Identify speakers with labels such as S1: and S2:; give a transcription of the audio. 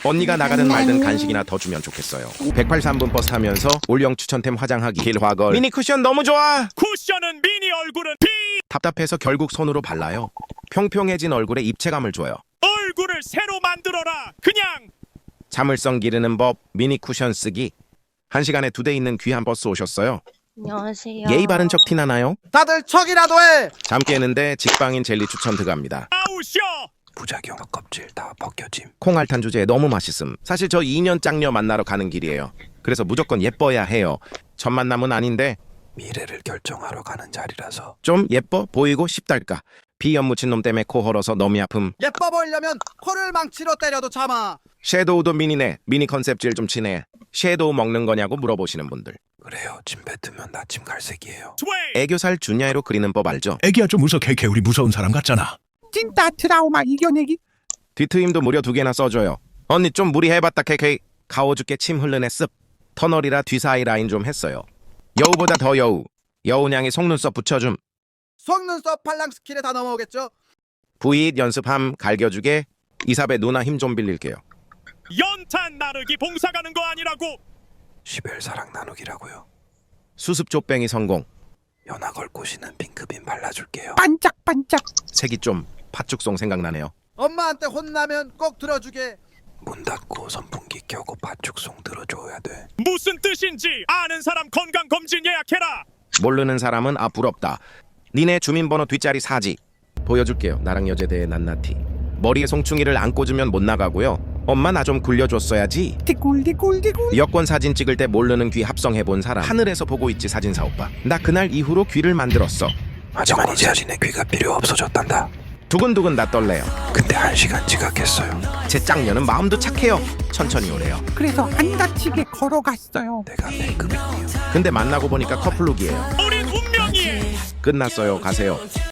S1: 언니가 나가든 말든 간식이나 더 주면 좋겠어요. 183분 버스 타면서 올영 추천템 화장하기 길화걸 미니 쿠션 너무 좋아.
S2: 쿠션은 미니 얼굴은 피
S1: 답답해서 결국 손으로 발라요. 평평해진 얼굴에 입체감을 줘요.
S2: 얼굴을 새로 만들어라. 그냥
S1: 자물성 기르는 법 미니 쿠션 쓰기. 1시간에 2대 있는 귀한 버스 오셨어요.
S3: 안녕하세요.
S1: 예의 바른 척 티나나요?
S4: 다들 척이라도 해.
S1: 잠 깨는데 직방인 젤리 추천 들어갑니다.
S2: 아우셔.
S4: 부작용 껍질 다 벗겨짐.
S1: 콩알탄 주제에 너무 맛있음. 사실 저 2년 짝녀 만나러 가는 길이에요. 그래서 무조건 예뻐야 해요. 첫 만남은 아닌데
S4: 미래를 결정하러 가는 자리라서.
S1: 좀 예뻐 보이고 싶달까. 비염 묻힌 놈 때문에 코 헐어서 너무 아픔.
S4: 예뻐 보이려면 코를 망치로 때려도 참아.
S1: 섀도우도 미니네. 미니 컨셉질 좀 치네. 섀도우 먹는 거냐고 물어보시는 분들.
S4: 그래요. 침 뱉으면 나침 갈색이에요.
S2: 스웨이.
S1: 애교살 준야이로 그리는 법 알죠?
S5: 애기야 좀 웃어 케케 우리 무서운 사람 같잖아.
S6: 찐따 트라우마 이겨내기.
S1: 뒤트임도 무려 2개나 써줘요. 언니 좀 무리해봤다 케케. 가오 죽게 침 흘르네 습. 터널이라 뒤사이 라인 좀 했어요. 여우보다 더 여우. 여우냥이 속눈썹 붙여줌.
S4: 속눈썹 팔랑 스킬에 다 넘어오겠죠?
S1: 부잇 연습함 갈겨주게. 이삽에 누나 힘 좀 빌릴게요.
S2: 연탄 나르기 봉사 가는 거 아니라고.
S4: 시벨사랑 나누기라고요.
S1: 수습 족뱅이 성공.
S4: 연하 걸 꼬시는 핑크빈 발라줄게요.
S6: 반짝반짝.
S1: 색이 좀 팥죽송 생각나네요.
S4: 엄마한테 혼나면 꼭 들어주게. 문 닫고 선풍기 켜고 팥죽송 들어줘야 돼.
S2: 무슨 뜻인지 아는 사람 건강 검진 예약해라.
S1: 모르는 사람은 아 부럽다. 니네 주민번호 뒷자리 사지. 보여줄게요. 나랑 여제대의 낱낱이. 머리에 송충이를 안 꽂으면 못 나가고요. 엄마 나 좀 굴려줬어야지.
S6: 디굴디굴디굴.
S1: 여권 사진 찍을 때 모르는 귀 합성해본 사람. 하늘에서 보고 있지 사진사 오빠. 나 그날 이후로 귀를 만들었어.
S4: 하지만 이제 자신의 귀가 필요 없어졌단다.
S1: 두근두근 나 떨래요.
S4: 근데 1시간 지각했어요.
S1: 제 짝녀는 마음도 착해요. 천천히 오래요.
S6: 그래서 안 다치게 걸어갔어요.
S4: 내가 배급이에요.
S1: 근데 만나고 보니까 커플룩이에요.
S2: 우린 운명이에.
S1: 끝났어요. 가세요.